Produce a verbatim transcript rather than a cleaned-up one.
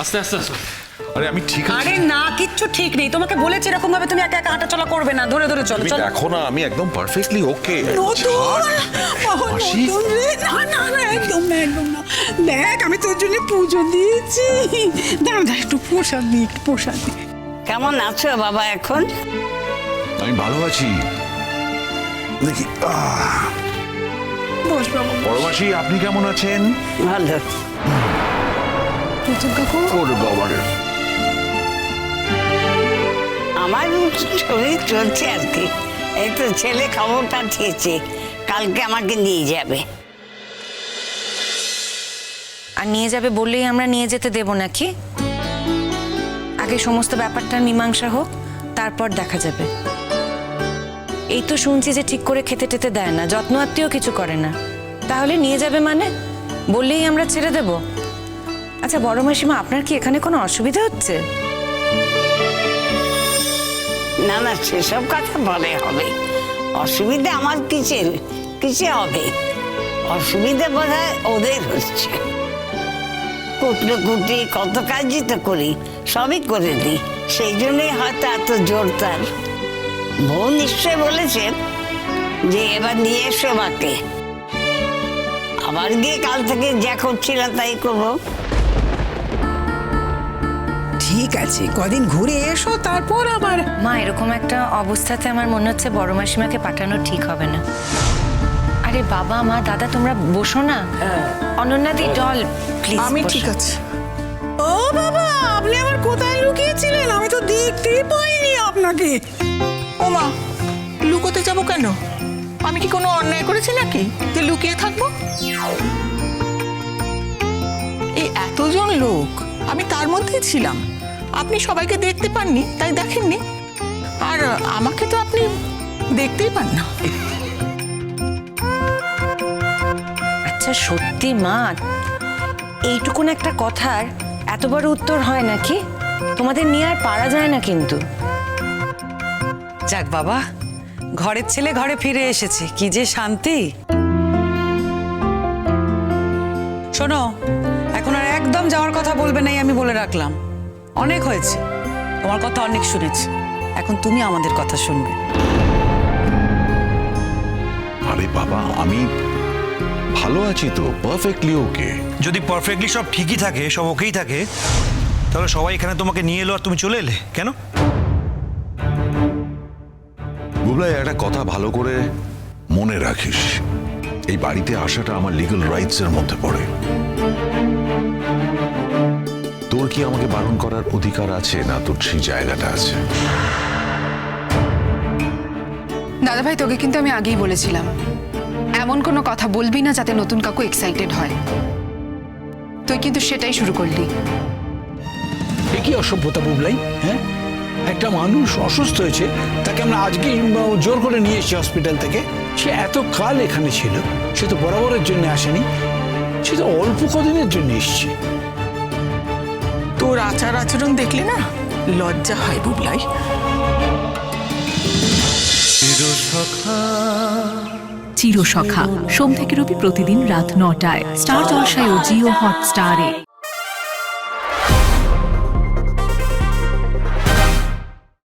আস্তে আস্তে আস্তে। আরে আমি ঠিক আছি। আরে না, কিচ্ছু ঠিক নেই। তোমাকে বলেছি এরকম ভাবে তুমি একা একা হাঁটাচলা করবে না, ধরে ধরে চলো তুমি চলো। দেখো না আমি একদম পারফেক্টলি ওকে। মাসি না না না, একদম না একদম না। দেখ আমি তোর জন্য পুজো দিয়েছি। দাঁড়া দাঁড়া, একটু প্রসাদ দিই, একটু প্রসাদ দিই। কেমন আছো বাবা এখন? আমি ভালো আছি। দেখি আহ, বস বাবা। বড় মাসি আপনি কেমন আছেন? ভালো। প্রতুল কাকু, ওরে বাবারে। আমার শরীর চলছে আর কি। এই তো ছেলে খবর পাঠিয়েছে, কালকে আমাকে নিয়ে যাবে। আর নিয়ে যাবে বললেই আমরা নিয়ে যেতে দেব নাকি? আগে সমস্ত ব্যাপারটা মীমাংসা হোক, তারপর দেখা যাবে। এই তো শুনছি যে ঠিক করে খেতে টেতে দেয় না, যত্ন আত্মীয় কিছু করে না। তাহলে নিয়ে যাবে মানে? বললেই আমরা ছেড়ে দেব? আচ্ছা বড় মাসিমা, আপনার কি এখানে কোনো অসুবিধা হচ্ছে? না না, সেসব কথা বলে হবে। অসুবিধা আমার কিসের কিসে হবে? অসুবিধা বোধ হয় ওদের হচ্ছে। কুটলো কুটি কত কাজই তো করি, সবই করে দিই, সেই জন্যই হয়তো এত জোর তার। বউ নিশ্চয় বলেছেন যে এবার নিয়ে এসো মাকে। আবার গিয়ে কাল থেকে যা করছিলাম তাই করবো। ঠিক আছে, কদিন ঘুরে এসো, তারপর আবার। মা, এরকম একটা অবস্থাতে আমার মনে হচ্ছে বড় মাসিমাকে পাঠানো ঠিক হবে না। আরে বাবা মা দাদা, তোমরা বসো না। অনন্যাদি জল প্লিজ। আমি ঠিক আছে। ও বাবা, আপনি আবার কোথায় লুকিয়েছিলেন? আমি তো দেখতেই পাইনি আপনাকে। ও মা, লুকোতে যাব কেন? আমি কি কোনো অন্যায় করেছি নাকি যে লুকিয়ে থাকবো? এই এতজন লোক, আমি তার মধ্যেই ছিলাম। আপনি সবাইকে দেখতে পাননি, তাই দেখেননি। আর আমাকে তো আপনি দেখতেই পান না। আচ্ছা সত্যি মা, এইটুকুন একটা কথার এত বড় উত্তর হয় নাকি? তোমাদের নিয়ে আর পারা যায় না কিন্তু। যাক বাবা, ঘরের ছেলে ঘরে ফিরে এসেছে, কি যে শান্তি। শোনো, এখন আর একদম যাওয়ার কথা বলবে নাই, আমি বলে রাখলাম। অনেক হয়েছে, তোমার কথা অনেক শুনেছি, এখন তুমি আমাদের কথা শুনবে। আরে বাবা আমি ভালো আছি তো, পারফেক্টলি ওকে। যদি পারফেক্টলি সব ঠিকই থাকে, সব ওকেই থাকে, তাহলে সবাই এখানে তোমাকে নিয়ে এলো আর তুমি চলে এলে কেন? বুবলাই, একটা কথা ভালো করে মনে রাখিস, এই বাড়িতে আসাটা আমার লিগ্যাল রাইটস এর মধ্যে পড়ে। তোর কি আমাকে বারণ করার অধিকার আছে না? তোর সেই জায়গাটা আছে? দাদা ভাই, তোকে কিন্তু আমি আগেই বলেছিলাম এমন কোনো কথা বলবি না যাতে নতুন কাকু এক্সাইটেড হয়। তুই কিন্তু সেটাই শুরু করলি। এ কি অসভ্যতা বুবলাই? হ্যাঁ, একটা মানুষ অসুস্থ হয়েছে, তাকে আমরা আজকে জোর করে নিয়ে এসেছি হসপিটাল থেকে। সে এত কাল এখানে ছিল, সে তো বরাবরের জন্য আসেনি, সে তো অল্প কদিনের জন্য এসছে। তোর আচার আচরণ দেখলে না লজ্জা হয় বুবলাই। চিরসখা সোম থেকে রবি প্রতিদিন রাত নটায় স্টার জলসায় ও জিও হটস্টারে।